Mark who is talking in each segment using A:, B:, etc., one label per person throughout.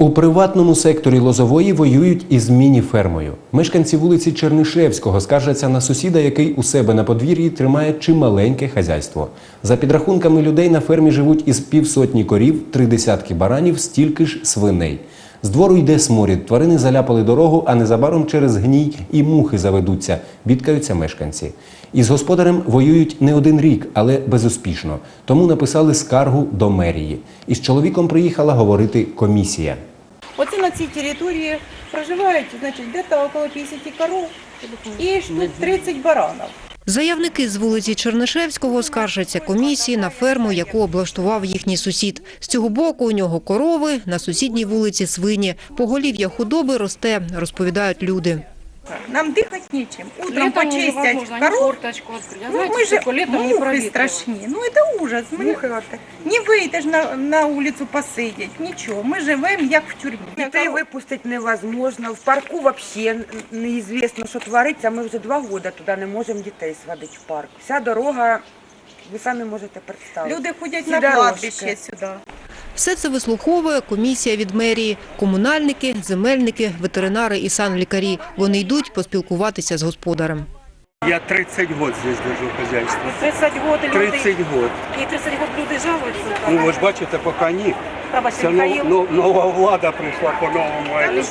A: У приватному секторі Лозової воюють із міні-фермою. Мешканці вулиці Чернишевського скаржаться на сусіда, який у себе на подвір'ї тримає чималеньке хазяйство. За підрахунками людей на фермі живуть із півсотні корів, 30 баранів, стільки ж свиней. З двору йде сморід, тварини заляпали дорогу, а незабаром через гній і мухи заведуться, бідкаються мешканці. Із господарем воюють не один рік, але безуспішно. Тому написали скаргу до мерії. Із чоловіком приїхала говорити комісія.
B: Оце на цій території проживають, значить, десь около 50 коров і штук 30 баранів.
C: Заявники з вулиці Чернишевського скаржаться комісії на ферму, яку облаштував їхній сусід. З цього боку у нього корови, на сусідній вулиці свині. Поголів'я худоби росте, розповідають люди.
B: Нам дихати нічим. Утром почистять коров. Мы же мухи страшні. Ну це ужас. Не вийдеш на вулицю посидіти, нічого. Ми живемо як в тюрмі.
D: Дітей випустити невозможно. В парку взагалі неізвісно, що твориться. Ми вже 2 роки туди не можемо дітей сводити в парк. Вся дорога, ви самі можете представити.
B: Люди ходять на кладбище сюди.
C: Все це вислуховує комісія від мерії. Комунальники, земельники, ветеринари і санлікарі. Вони йдуть поспілкуватися з господарем.
E: Я 30 год здесь держу хозяйство.
B: 30 років люди.
E: 30 год.
B: І 30 років люди жалуються.
E: Ну, ви ж бачите, поки ні. Це нова влада прийшла по-новому.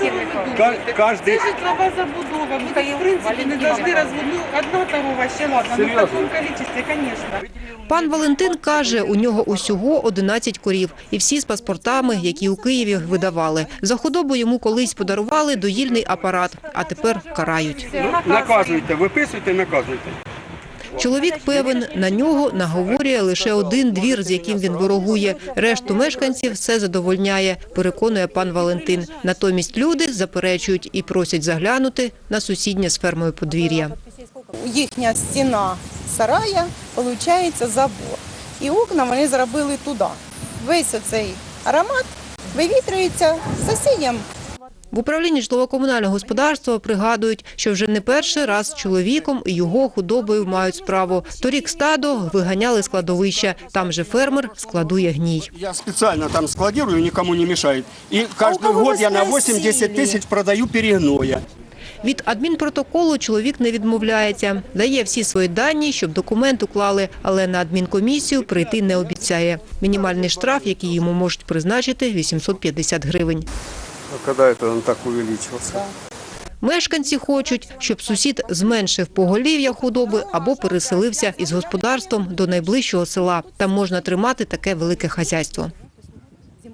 E: Кожний...
F: Це житлова забудова. Буде, в принципі, не завжди розводну. Одна корова ще ладно. Ну, в такому кількості, звісно.
C: Пан Валентин каже, у нього усього 11 корів. І всі з паспортами, які у Києві видавали. За худобу йому колись подарували доїльний апарат, а тепер карають.
E: Наказуйте, виписуйте, наказуйте.
C: Чоловік певен, на нього наговорює лише один двір, з яким він ворогує. Решту мешканців все задовольняє, переконує пан Валентин. Натомість люди заперечують і просять заглянути на сусіднє з фермою подвір'я.
B: Їхня стіна сарая, виходить, забор. І окна вони зробили туди. Весь оцей аромат вивітрюється сусідям.
C: В управлінні житлово-комунального господарства пригадують, що вже не перший раз з чоловіком і його худобою мають справу. Торік стадо виганяли з кладовища. Там же фермер складує гній.
E: Я спеціально там складирую, нікому не мішають. І кожен год я на 8-10 тисяч продаю перегноя.
C: Від адмінпротоколу чоловік не відмовляється. Дає всі свої дані, щоб документ уклали, але на адмінкомісію прийти не обіцяє. Мінімальний штраф, який йому можуть призначити – 850 гривень.
E: А коли це він так увеличився?
C: Мешканці хочуть, щоб сусід зменшив поголів'я худоби або переселився із господарством до найближчого села. Там можна тримати таке велике хазяйство.